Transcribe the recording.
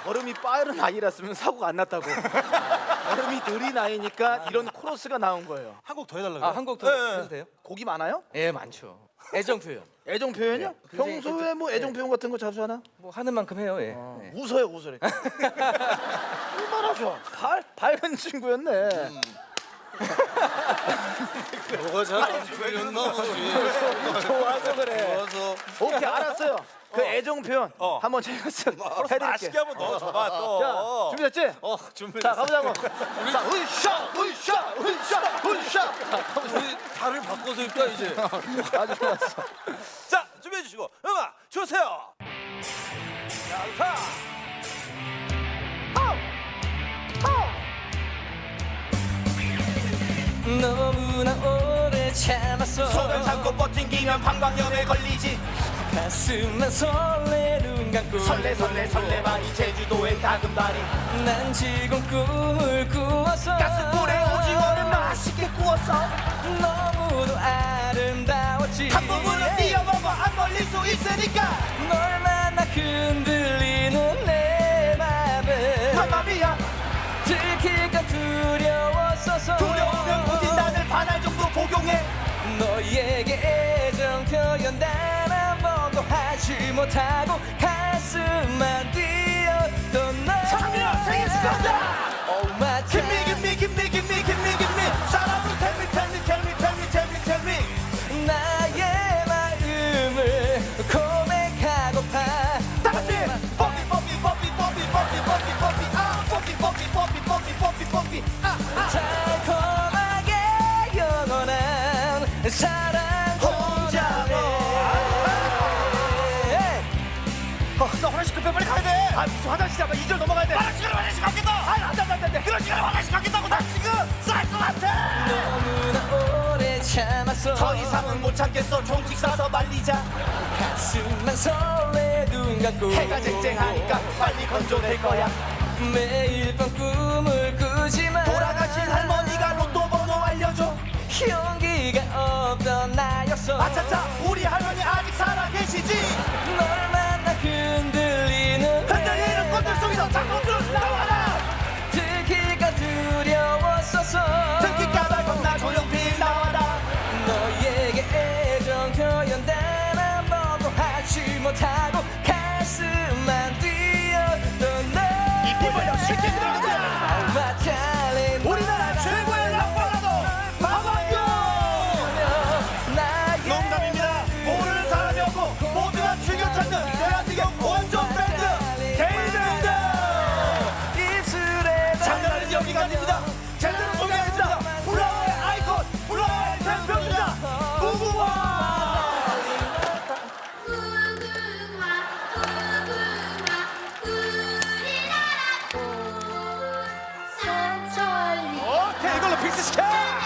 걸음이 빠른 아이였으면 사고가 안 났다고. 걸음이 느린 아이니까 이런 코러스가 나온 거예요. 한 곡 더 해달라고요? 아, 한 곡 더 해도 돼요? 곡이 많아요? 예, 많죠. 애정 표현. 애정 표현이요? 네, 굉장히 평소에 뭐 애정 표현 같은 거 자주 하나? 뭐 하는 만큼 해요. 예. 네. 웃어요, 웃어요. 얼마나 좋아. 밝은 친구였네. 뭐가 잘안 풀렸나 보지. 좋아서 그래. 좋아서. 오케이, 알았어요. 그 애정 표현 한번 제가 해드릴게요. 맛있게 한번 넣어줘봐 또. 자, 준비됐지? 준비됐어. 자, 가보자고. 자, 으쌰, 으쌰, 으쌰, 으쌰. 우리 달을 바꿔서 입자 이제. 아주 좋았어. 자, 준비해 주시고 음악 주세요. 자, 너무나 오래 참았어. 손을 잡고 버팅기면 방광염에 걸리지. 가슴만 설레 눈 감고 설레 설레 설레만이 제주도의 다금바리. 난 지금 꿈을 꾸었어. 가스불에 오징어를 맛있게 구웠어. 너무도 아름다웠지. 한 부분은 뛰어넘어 안 걸릴 수 있으니까. 널 만나 흔들리는 내 맘은 맘마미야. 들킬까 두려웠어서. 두려우면 굳이 나를 반할 정도 복용해. 너에게 애정 표현 단 한 번도 하지 못하고 가슴만 뛰었던 너. 장미야, 생일 축하한다. Oh my Give me, give me, give me, give me, give me, give me. 사랑을 tell me, tell me, tell me, tell me, tell me, tell me. 나의 마음을 고백하고파. 다 같이 뽀삐 뽀삐 뽀삐 뽀삐 뽀삐 뽀삐 뽀삐 아 뽀삐 뽀삐 뽀삐 뽀삐 뽀삐 뽀삐 아 달콤하게 영원한 사랑 혼자고. 나 화장실 급해 빨리 가야 돼. 아 무슨 화장실 아까 2절 넘어가야 돼. 나 지금 화장실 갔겠다. 안돼. 그런 시간에 화장실 갔겠다고. 나 지금 쌀 것 같아. 너무나 오래 참았어. 더 이상은 못 참겠어. 종직 싸서 말리자. 가슴만 설레 눈 감고 해가 쨍쨍하니까 빨리 건조될 거야. 매일 밤 꿈을 꾸지만 돌아가신 할머니가 로또 번호 알려줘. 용기가 없던 나였어. 아차차 우리 할머니 아직 살아계시지. 널 만나 흔들리는 흔들리는 꽃들 속에서 장군들 나와라. 들킬까 두려웠어서. 듣기까봐 겁나 조용필 나와라. 너에게 애정 표현 단 한 번도 하지 못하고 가슴만 뛰었던 너. 입 벌려 쉽게 들어가자. Oh my darling, 우리나라 최고의 락바라도 박완규. 나의 농담입니다. 모르는 사람이 없고 모두가 즐겨 찾는 대한민국 원조 밴드 게이밴드. 입술에 장난 아닌 연기가 됩니다. 제대로 소개하겠습니다. 플라워의 아이콘, 플라워의 대표입니다. 무궁화. 오케이, 이걸로 픽스 시켜.